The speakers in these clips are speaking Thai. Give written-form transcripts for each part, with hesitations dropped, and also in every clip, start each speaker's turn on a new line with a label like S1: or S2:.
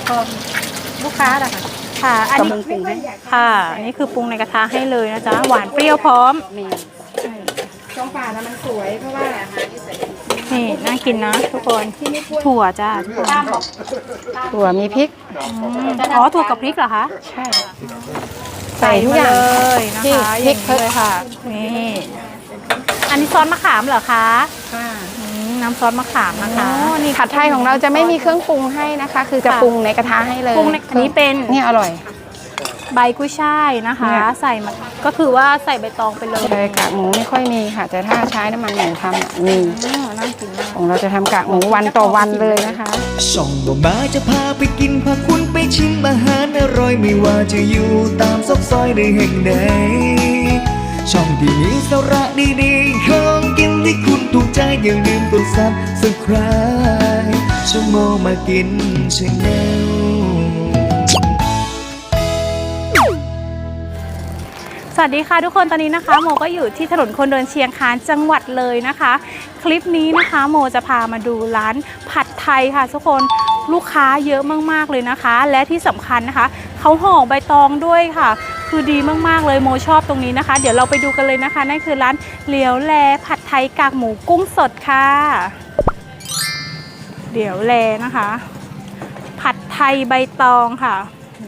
S1: พอลูกค้าล่ะค่ะ
S2: ค่ะอันนี้
S1: ปรุงให้
S2: ค่ะอันนี้คือปรุงในกระทะให้เลยนะจ๊ะหวานเปรี้ยวพร้อม
S1: มีช่องป่านะมันสวยเพราะว่า
S2: นี่น่ากินนะทุกคนถั่วจ้า
S1: ถั่วมีพริก
S2: อ๋อถั่วกับพริกเหรอคะ
S1: ใช่ใส่ทุกอย่าง
S2: เลยนะคะ
S1: พริก
S2: เลยค่ะนี่อันนี้ซอสมะขามเหรอคะน้ำซอสมะขามนะคะ
S1: นี่ผัดไทยของเราจะไม่มีเครื่องปรุงให้นะคะคือจะปรุงในกระทะให้เลย
S2: อันนี้เป็น
S1: นี่อร่อย
S2: ใบกุ้ยช่ายนะคะใส่มาก็คือว่าใส่ใบตองไปเลย
S1: ใช่กากหมูไม่ค่อยมีค่ะแต่ถ้าใช้น้ำมันหมูทำมี
S2: น่ากินมาก
S1: ของเราจะทำกากหมูวันต่อวันเลยนะคะ
S3: ช่องบ่มาจะพาไปกินพาคุณไปชิมอาหารอร่อยไม่ว่าจะอยู่ตามซอกซอยในแห่งใดช่องที่มีสาระดีๆของกินที่คุณถูกใจอย่าลืมกดซับสไครบ์ช่องโมมากินชาแนล
S2: สวัสดีค่ะทุกคนตอนนี้นะคะโมก็อยู่ที่ถนนคนเดินเชียงคานจังหวัดเลยนะคะคลิปนี้นะคะโมจะพามาดูร้านผัดไทยค่ะทุกคนลูกค้าเยอะมากๆเลยนะคะและที่สำคัญนะคะเขาห่อใบตองด้วยค่ะคือดีมากๆเลยโมชอบตรงนี้นะคะเดี๋ยวเราไปดูกันเลยนะคะนั่นคือร้านเหลียวแลผัดไทยกากหมูกุ้งสดค่ะเหลียวแลนะคะผัดไทยใบตองค่ะ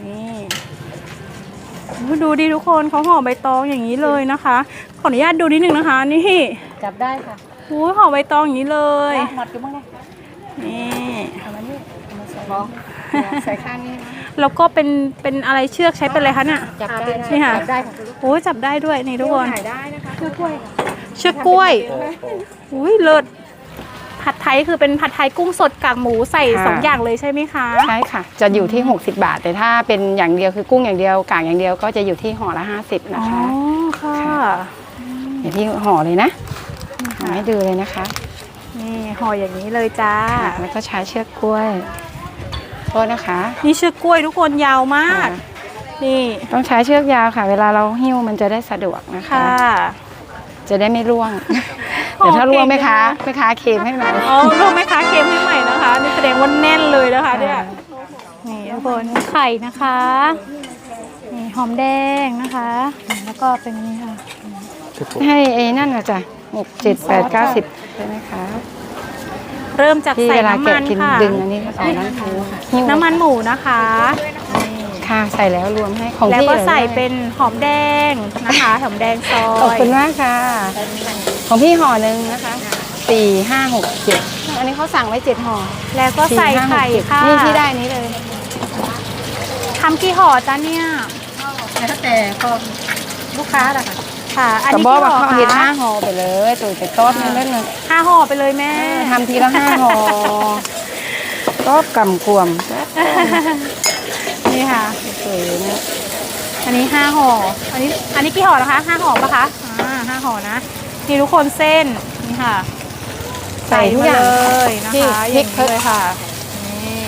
S2: นี่ดูดิทุกคนเขาห่อใบตองอย่างนี้เลยนะคะขออนุญาตดูนิดนึงนะคะนี่
S1: จับได้ค่ะ
S2: ห่อใบตองอย่างนี้เลย
S1: หมดกันบ้าง
S2: นี่
S1: เอามานี่ใส่ข้างนี้
S2: แล้วก็เป็นอะไรเชือกใช้เป็นอะไรคะเนี่ย
S1: จับได้
S2: นี่ค่ะ
S1: จับได้ค่ะ
S2: โอ้ยจับได้ด้วยนี่ทุกคน
S1: ถ่ายได้นะคะเชือกกล้วย
S2: เชือกกล้วยอุ้ยเลิศผัดไทยคือเป็นผัดไทยกุ้งสดกากหมูใส่2อย่างเลยใช่ไหมคะ
S1: ใช่ค่ะจะอยู่ที่60 บาทแต่ถ้าเป็นอย่างเดียวคือกุ้งอย่างเดียวกากอย่างเดียวก็จะอยู่ที่ห่อละ50นะคะ
S2: อ๋อค่ะ
S1: เดี๋ยวพี่ห่อเลยนะห่อให้ดูเลยนะคะ
S2: นี่ห่ออย่างนี้เลยจ้า
S1: แล้วก็ใช้เชือกกล้วยโทษนะคะ
S2: นี่เชือกกล้วยทุกคนยาวมากนี่
S1: ต้องใช้เชือกยาวค่ะเวลาเราหิ้วมันจะได้สะดวกนะคะจะได้ไม่ร่วงเดี๋ยวถ้าร่วงไหมคะเค็มให้ใหม่
S2: อ๋อร่วงไหมคะเค็มให้ใหม่นะคะนี่แสดงว่าแน่นเลยนะคะเนี่ยนี่ทุกคนไข่นะคะนี่หอมแดงนะคะแล้วก็เป็นนี่ค่ะ
S1: ให้นั่นนะจ๊ะ6 7 8 9 10ใช่ไหมคะ
S2: เริ่มจากใส่น้ำมันค่ะ
S1: ดึงอันนี้ใส่
S2: น้ำมันหมูนะคะ
S1: ค่ะใส่แล้วรวมให้ของ
S2: แล้วก็ใส่เป็นหอมแดงนะคะหอมแดงซอย
S1: ขอบคุณมากค่ะของพี่ห่อหนึ่งนะคะ4 5 6 7อันนี้เขาสั่งไว้7ห่อ
S2: แล้วก็ใส่ไข่ค่ะ
S1: นี่ที่ได้นี้เลย
S2: ทำกี่ห่อจ้าเนี่ย
S1: แล้วแต่ก็ลูกค้าล่ะค่ะ
S2: ค่ะอันนี้กี่ห่อ
S1: คะ5ห่อไปเลยตุ๋ยไปต้มเล่นเลย
S2: 5ห่อไปเลยแม่
S1: ทำทีละ5ห่อก็กำกวม
S2: นี่ค่ะ
S1: สวยนะ
S2: อันนี้5ห่ออันนี้กี่ห่อนะคะ5ห่อปะคะ5ห่อนะนี่ทุกคนเส้นนี่ค่ะ
S1: ใส่ทุกอย่าง
S2: เลยนะคะ
S1: พริกเลยค่ะ
S2: นี่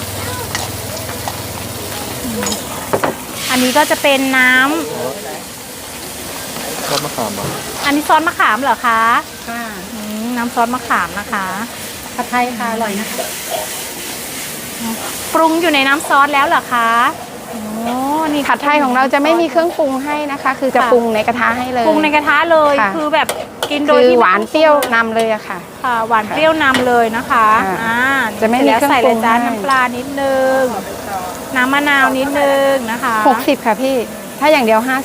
S2: อันนี้ก็จะเป็นน้ำ
S4: ซอสมะขาม
S2: อันนี้ซอสมะขามเหรอคะ
S1: ค่ะ
S2: น้ำซอสมะขามนะคะ
S1: ผัดไทยค่ะอร่อยนะคะ
S2: ปรุงอยู่ในน้ำซอสแล้วเหรอคะ
S1: นี่ผัดไทยของเราจะไม่มีเครื่องปรุงให้นะคะคือจะปรุงในกระทะให้เลย
S2: ปรุงในกระทะเลยคือแบบกินโดยที่
S1: หวานเปรี้ยวนำเลยอะค่ะ
S2: ค่ะหวานเปรี้ยวนำเลยนะคะ
S1: จะไม่มีเครื่องปรุง
S2: ใส่เลยจ้าน้ำปลานิดนึงน้ำมะนาวนิดนึงนะคะ
S1: 60ค่ะพี่ถ้าอย่างเดียว50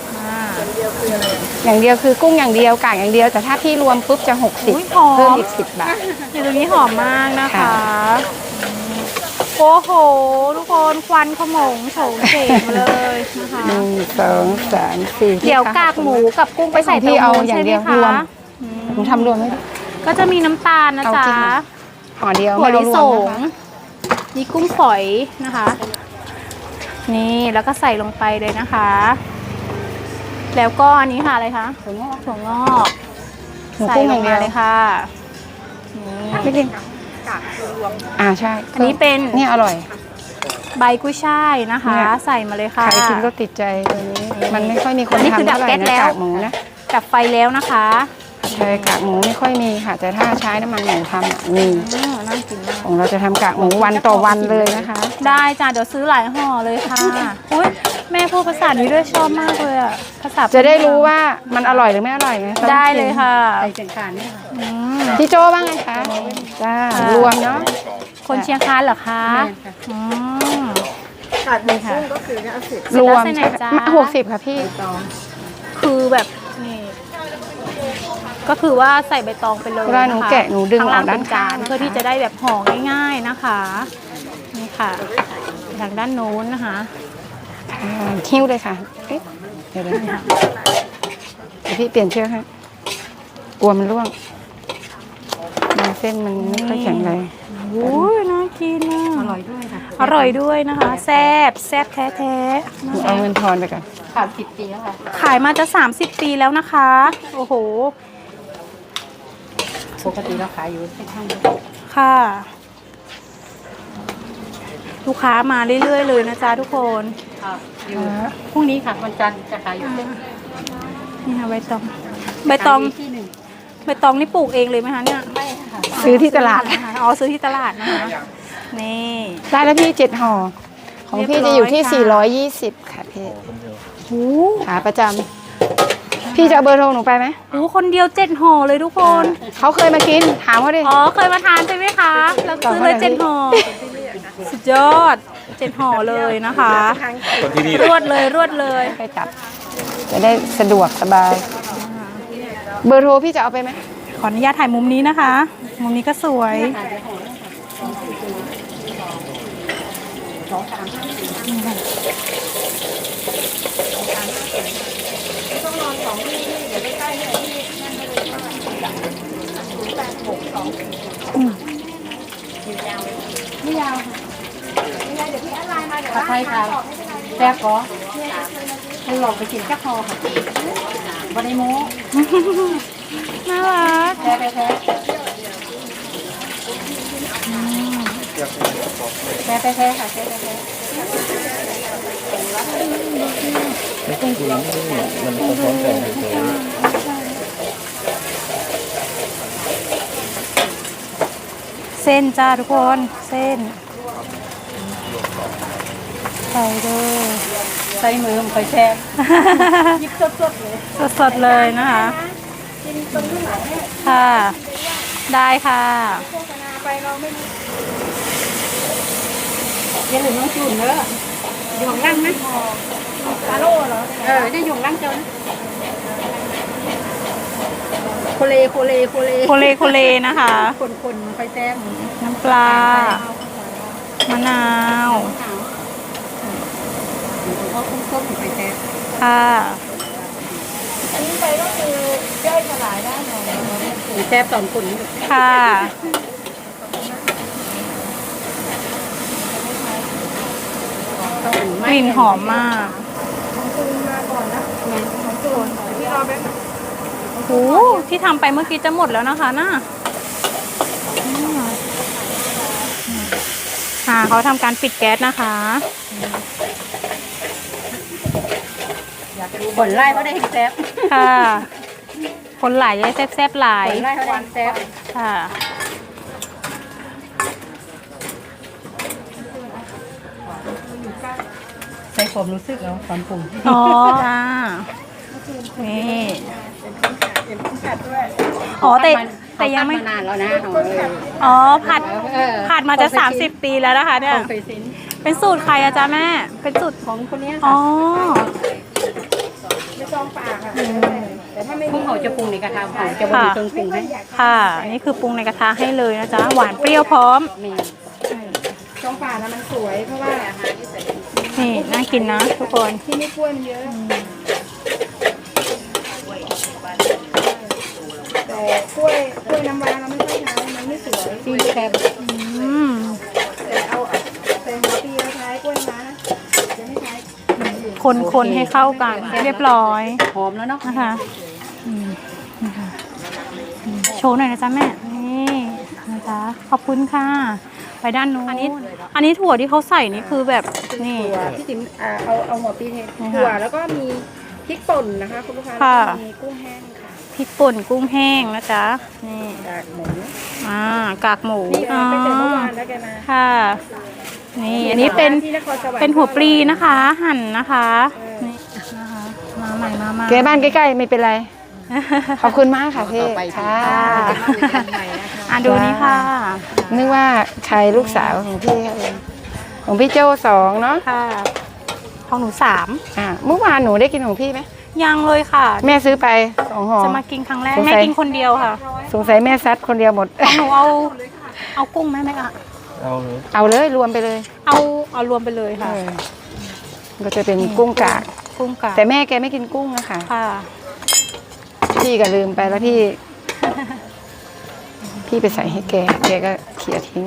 S1: อย่างเดียวคือกุ้งอย่างเดียวกากอย่างเดียวแต่ถ้าที่รวมปุ๊บจะ60เพิ่มอีก10 บาท
S2: ตรงนี้หอมมากนะคะโอ้โหทุกคนควันขโมงโฉงเฉงเลยนะคะ
S1: 1 2 3 4
S2: เดี๋ยวกากหมูกับกุ้งไปใส่ที่เอาอย่างเดียวรวม
S1: หนูทำรวมไหม
S2: ก็จะมีน้ำตาลนะจ๊ะ
S1: ห่อเดียว
S2: ถั่วลิสงนี่กุ้งฝอยนะคะนี่แล้วก็ใส่ลงไปเลยนะคะแล้วก็อันนี้ค่ะอะไรคะถั่วงอกใส่ลงมาเลยค่ะ
S1: ไม่กินใช่
S2: อันนี้เป็น
S1: นี่อร่อย
S2: ใบกุ้ยช่ายนะคะใส่มาเลยค่ะ
S1: ใครกินก็ติดใจตัวนี้มันไม่ค่อยมีคนทำเท่าไหร่นะกากหมูนะ
S2: ดับไฟแล้วนะคะ
S1: ใช่กากหมูไม่ค่อยมีค่ะแต่ถ้าใช้น้ำมันหมูทำมี
S2: น่ากินมาก
S1: ของเราจะทำกากหมูวันต่อวันเลยนะคะ
S2: ได้จ้ะเดี๋ยวซื้อหลายห่อเลยค่ะอุ้ยแม่พูดภาษานี้ด้วยชอบมากเลยอ่ะภาษา
S1: จะได้รู้ว่ามันอร่อยหรือไม่อร่อยไง
S2: ได้เลยค่ะ
S4: ใส่เชียงคานนี่ค่ะ
S2: อืม
S1: พี่โจ้บ้างไงคะจ้ารวมเนาะ
S2: คนเชียงคานเหรอคะอืม
S4: ขาดหมูกุ้งก็คือเอาสิบ
S1: รวม
S2: เสร็จแล้วใส่ไหนจ๊ะ
S1: 60ค่ะพี่
S4: ตอง
S2: คือแบบนี่ก็คือว่าใส่ใบตองไปเลย
S1: เวลาหนูแกะหนูดึง
S2: ข้างล่าง
S1: ออกด้าน
S2: เป็นจาน
S1: ข้างนะคะ
S2: เพื่อที่จะได้แบบห่อง่ายๆนะคะนี่ค่ะทางด้านโน้นนะคะ
S1: คิ้วเลยค่ะเอ๊ะเดี๋ยวพี่เปลี่ยนเชือกให้กลัวมันร่วงเส้นมันไม่ค่อยแข็งแรง
S2: โอ้ยน่ากินอ่ะ
S4: อร่อยด้วยค่ะ
S2: อร่อยด้วยนะคะ แซ่บแซ่บแท้ๆ
S1: หนู
S2: นะคะ
S1: เอาเงินทอนไปก่อน
S4: ขาด10 ปีแล้วค่ะ
S2: ขายมาจะ30 ปีแล้วนะคะ โอ้โห
S4: ปกติเราขายอยู่ที่ข้าง
S2: ค่ะ ลูกค้ามาเรื่อยๆเลยนะจ๊ะทุกคน
S4: อยู่พรุ่งนี้ค่ะวันจันทร์จะขายอยู่ที่
S2: นี่ค่ะใบตองใบตอง
S4: ที่หนึ่ง
S2: ใบตองนี่ปลูกเองเลยไหมคะเนี่ย
S4: ไม่ค่ะ
S1: ซื้อที่ตลาด
S2: อ๋อซื้อที่ตลาดนะคะนี่
S1: ได้แล้วพี่7ห่อของพี่จะอยู่ที่ 420 ค่ะพี่
S2: โอ้
S1: ขาประจำพี่จะเอาเบอร์โทรหนูไปไหม
S2: โหคนเดียว7ห่อเลยทุกคน
S1: เขาเคยมากินถามเขาดิ
S2: อ๋อเคยมาทานใช่ไหมคะแล้วซื้อเลย7ห่อสุดยอด7ห่อเลยนะคะรวดเลยรวดเลย
S1: ไปจับจะได้สะดวกสบาย เบอร์โทรพี่จะเอาไปไหม
S2: ขออนุญาตถ่ายมุมนี้นะคะ มุมนี้ก็สวย
S4: ผัดไทยค่ะแซ่บก็ให้หลอกไปกินแค่คอค่ะวันนี้โม้
S2: น่ารัก
S4: แซ่บแซ่บแซ่บแซ่บค่ะแซ่บแซ่บ
S2: เส้นจ้าทุกคนเส้นใส่เลย
S4: ใส่มือมันค่อยแซ่บยิบสดๆเลย
S2: สดๆเลยนะคะค่ะ ได้ค่ะ
S4: อย่าลืมน้องจูนเนอะอยู่ของนั่งนะปลาโลเหรอได้อยู่ของนั่งเจ้านะโคเลโคเลโคเล
S2: โคเลโคเลนะคะ
S4: คนๆมันค่อยแซ่บ
S2: น้ำปลา มะนาว
S4: เขาคุ้มๆค่อยแซ่บ
S2: ค่ะ
S4: แซ่บตอนคน
S2: ค่ะ
S4: ต้อง
S2: กลิ่นหอมมากโอ้โหที่ทำไปเมื่อกี้จะหมดแล้วนะคะน่ะค่ะเขาทำการปิดแก๊สนะคะ
S4: ผลไล่เขาได้แซ่บ
S2: ค่ะ คนหลายจะได้แซ่บๆหลาย
S4: ผลไล่เขาได้แซ่บ
S2: ค่ะ
S4: ใส่ผมรู้สึกแล้วตอนปรุง
S2: อ๋อจ้านี่อ๋อแต่ยังไม่
S4: มานานแล้วนะ
S2: อ๋อผัดมาจะ30 ปีแล้วนะคะเนี่ย
S4: เคยซิน
S2: เป็นสูตรใครอะจ๊ะแม่ เป็นสูตร
S4: ของคนนี้
S2: อ๋
S4: ค่ะ
S2: อ
S4: ไม่ต้องปากค่ะแต่ถ้าไม่มีเขาจะปรุงในกระทะเขาจะบดเครื่องปรุงให้
S2: ค่ะ นี่คือปรุงในกระทะให้เลยนะจ๊ะ หวานเปรี้ยวพร้อม
S4: นี่ช่องปากนะมันสวยเพราะว่าอาหารที่ใส่
S2: นี่น่ากินนะทุกคน
S4: ที่ไม่กล้วยมันเยอะแต่กล้วยน้ำว้าเราไม่ค่อยใช้มันไม่สวยที่แคบ
S2: อืม
S4: แต่เอาใส่หัวปีเราใช้กล้วยน้ำว้านะจะไม่ใช้
S2: คนให้เข้ากัน เรียบร้อย
S4: หอมแล้วเนาะ
S2: นะคะนะคะโชว์หน่อยนะจ๊ะแม่ นี่นะจ๊ะ ขอบคุณค่ะ ไปด้านนู้น อันนี้ถั่วที่เขาใส่นี่คือแบบนี่
S4: ถั่วพี่ติ๋มเอาหัวปีเท
S2: นี่ค่ะ
S4: ถั่วแล้วก็มีพริกป่นนะคะคุณลูกค้า
S2: ค่ะ
S4: แล้วก็มีกุ้งแห้งค่ะ
S2: พริกป่นกุ้งแห้งนะจ๊ะ นี่
S4: กากหมู
S2: กากหมู
S4: นี่เอาไปเจอเมื่อวานแล้วแกมา
S2: ค่ะนี่อันนี้เป็นหัวปลีนะคะ หั่นนะคะนี่นะคะมาใหม่มาใหม่
S1: แกบ้านใกล้ๆไม่เป็นไร ขอบคุณมากค่ะพี่ค่ะ
S2: ดูนี่ค่ะ
S1: นึกว่าใครลูกสาวของพี่เขาเองของพี่โจ้2เนาะ
S2: ค่ะของหนู3
S1: เมื่อวานหนูได้กินของพี่ไหม
S2: ยังเลยค่ะ
S1: แม่ซื้อไป2 ห่อ
S2: จะมากินครั้งแรก
S1: สงสัย
S2: แม่กินคนเดียวค่ะ
S1: สงสัยแม่ซัดคนเดียวหมด
S2: ของหนูเอากุ้งไหมอะ
S1: เอาเลยรวมไปเลย
S2: เอารวมไปเลยค่ะ
S1: ก็จะเป็นกุ้งกาก
S2: กุ้งกับ
S1: แต่แม่แกไม่กินกุ้งนะคะ
S2: ค่ะ
S1: พี่ก็ลืมไปแล้วพี่ พี่ไปใส่ให้แกก็เขี่ยทิ้ง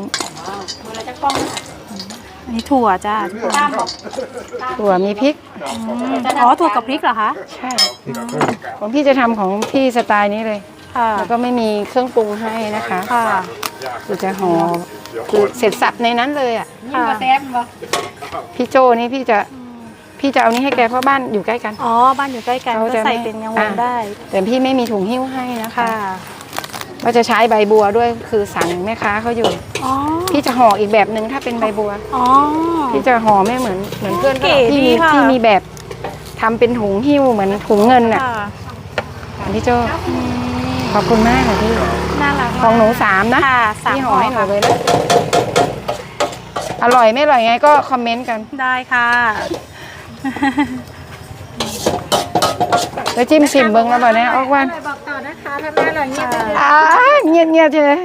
S2: อันนี้ถั่วจ้า
S1: ถั่วมีพริก
S2: อ๋อถั่วกับพริกเหรอคะ
S1: ใช่ของพี่จะทำของพี่สไตล์นี้เลย
S2: ค่ะ
S1: แล้วก็ไม่มีเครื่องปรุงให้นะคะ
S2: ค่ะ
S1: คือจะห่อคือเสร็จสับในนั้นเลยอ่ะ
S2: ค่ะ
S1: พี่โจนี่พี่จะเอานี้ให้แกเพราะบ้านอยู่ใกล้กัน
S2: อ๋อบ้านอยู่ใกล้กัน
S1: เขา
S2: ก็
S1: จะ
S2: ใส่เป็นยังวงได้
S1: แต่พี่ไม่มีถุงหิ้วให้นะคะ
S2: ค่ะ
S1: ก็จะใช้ใบบัวด้วยคือสั่งแม่ค้าเขาอยู่
S2: อ๋อ
S1: พี่จะห่ออีกแบบหนึ่งถ้าเป็นใบบัว
S2: อ๋อ
S1: พี่จะห่อไม่เหมือนเพื่อน
S2: เก๋
S1: ที่
S2: ดีค่ะ
S1: ที่มีแบบทำเป็นถุงหิ้วเหมือนถุงเงินอ่ะ
S2: ค่ะ
S1: พี่โจขอบคุณมากค่ะพี่
S2: น่ารักมาก
S1: ของหนู3นะ
S2: ค่ะ3
S1: พี่ห่
S2: ห่
S1: อ
S2: อ
S1: ให้หนู
S2: ค่ะ
S1: เลยนะอร่อยไม่อร่อยไงก็คอมเมนต์กัน
S2: ได้ค่ะ
S1: แล้วจิ้มชิมเบิ้งแล้วบ่เนี่ยออกวัน
S4: บอกต่อนะคะถ้าแม่เราเงียบ
S1: เงียบเฉย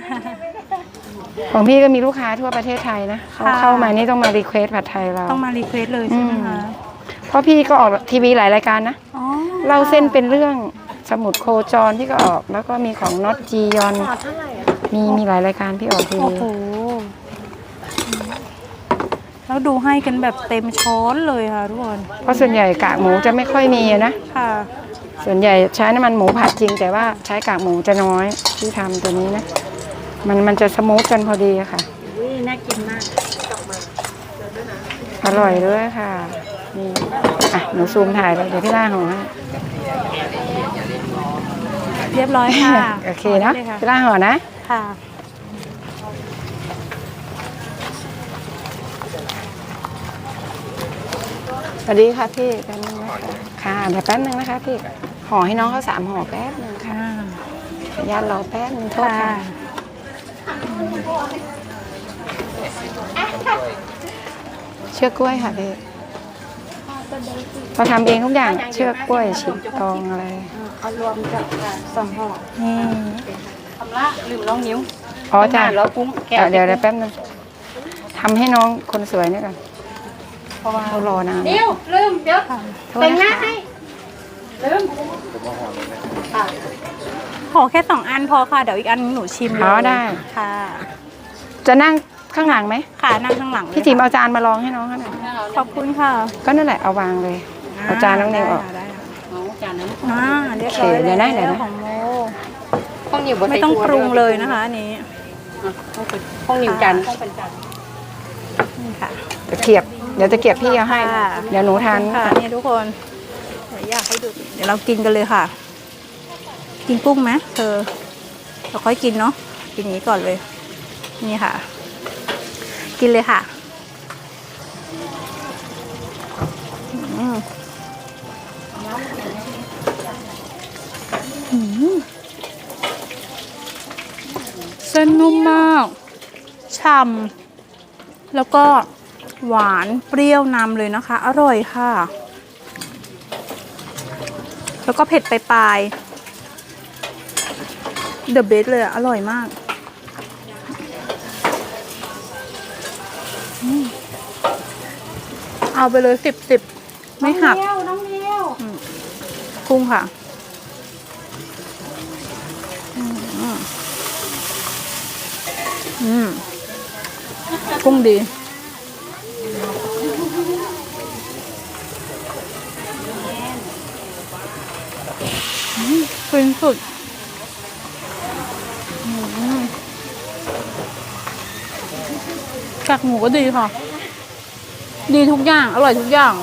S1: ของพี่ก็มีลูกค้าทั่วประเทศไทยนะเขาเข้ามานี่ต้องมารีเควสผัดไทยเรา
S2: ต้องมารีเควสเลยใช่ไหมคะ
S1: เพราะพี่ก็ออกทีวีหลายรายการนะ
S2: อ๋อ
S1: เล่าเส้นเป็นเรื่องสมุดโคจรที่ก็ออก แล้วก็มีของน็อตจียอนมีหลายรายการพี่ออกที
S2: โอ้
S1: วี
S2: โหแล้วดูให้กันแบบเต็มช้อนเลยค่ะทุกคน
S1: เพราะส่วนใหญ่กากหมูจะไม่ค่อยมีนะ
S2: ค่ะ
S1: ส่วนใหญ่ใช้น้ำมันหมูผัดจริง แต่ว่าใช้กากหมูจะน้อยที่ทำตัวนี้นะมันจะสมูทกันพอดีอะค่ะ
S4: น่ากินมาก
S1: อร่อยด้วยค่ะนี่หนูซูมถ่ายไปเดี๋ยวพี่ล่าห่อให้
S2: เรียบร้อยค่ะ
S1: โอเคเนาะ
S2: ได้ลย
S1: พี่ล่าห่อนะ
S2: ค่ะ
S1: สวัสดีค่ะพี่แป๊บนึงนะคะค่ะเดี๋ยวแป๊บนึงนะคะพี่ห่อให้น้องเขา3 ห่อแป๊บนึงค่ะขออนุญาตรอแป๊บนึงโทษค่ะเชือกกล้วยค่ะพี่เราทำเองทุกอย่างเชือกกล้วยฉีกตองอะไร
S4: เอารวมกับ2 ห่อ
S1: นี่
S4: ทำละลืมลองนิ้ว
S1: อ๋อจ้ะ
S4: แล้วกุ้งแกะ
S1: เดี๋ยวแป๊บนึงทำให้น้องคนสวยนี่ก่อนเพราะว่าเขารอนาน
S4: นิ้วลืมเดี๋ยว
S1: โทษ
S4: แต่งห
S1: นะ
S4: น้า
S1: คะ
S4: ให้ลืม
S2: ขอแค่2 อันพอค่ะ เดี๋ยวอีกอันหนูชิมเลย
S1: อ๋อได้
S2: ค่ะ
S1: จะนั่งข้างหลังไหม
S2: ค่ะนั่งข้างหลังเลย
S1: พี่จิ๋มเอาจานมาลองให้น้องเขาหน่อย
S2: ขอบคุณค่ะ
S1: ก็นั่นแหละเอาวางเลยเอาจานน้องนิวออก
S2: ได้ค่ะ
S4: เอาจานนั้น
S2: เรียบร้อย
S1: โอเคเดี๋ยวนะเดี๋ยวนะ
S2: ของโม
S4: ข้องนิ้วบ่
S2: ไม่ต้องปรุงเลยนะคะอันนี้
S4: ข้องนิ้วจาน
S2: นี่ค่ะ
S1: ตะเกียบเดี๋ยวตะเกียบพี่เอาให้
S2: ค่ะ
S1: เดี๋ยวหนูทาน
S2: ค่ะนี่ทุกคนเดี๋ยวอยากให้ดู เดี๋ยวเรากินกันเลยค่ะ กินกุ้งไหมเธอเราค่อยกินเนาะกินนี้ก่อนเลย นี่ค่ะ กินเลยค่ะอืมอืมเส้นนุ่มมากฉ่ำแล้วก็หวานเปรี้ยวนำเลยนะคะ อร่อยค่ะ แล้วก็เผ็ดปลายเดอะเบสเลยอะอร่อยมากเอาไปเลย10ไม่หัก
S4: น้องเลี้ยว
S2: กุ้งค่ะกุ้งดีฟินสุดกากหมูก็ดีค่ะ ดีทุกอย่าง อร่อยทุกอย่าง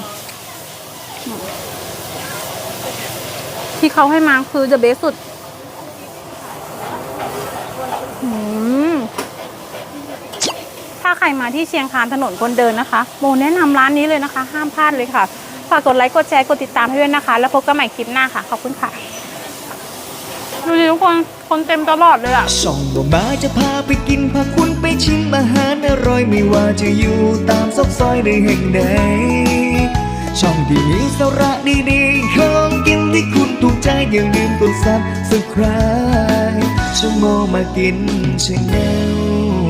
S2: ที่เขาให้มาคือจะเบสสุดถ้าใครมาที่เชียงคานถนนคนเดินนะคะโมแนะนำร้านนี้เลยนะคะห้ามพลาดเลยค่ะฝากกดไลค์กดแชร์กดติดตามให้ด้วยนะคะแล้วพบกันใหม่คลิปหน้าค่ะขอบคุณค่ะดูดิทุกคนเต็มตลอดเลยอะ
S3: ช่องบ่มาจะพาไปกินพาคุณไปชิมอาหารอร่อยไม่ว่าจะอยู่ตามซอกซอยในแห่งใดช่องที่มีสาระดีๆของกินที่คุณถูกใจอย่าลืมกดซับสไครต์ช่องโมมากินชาแนล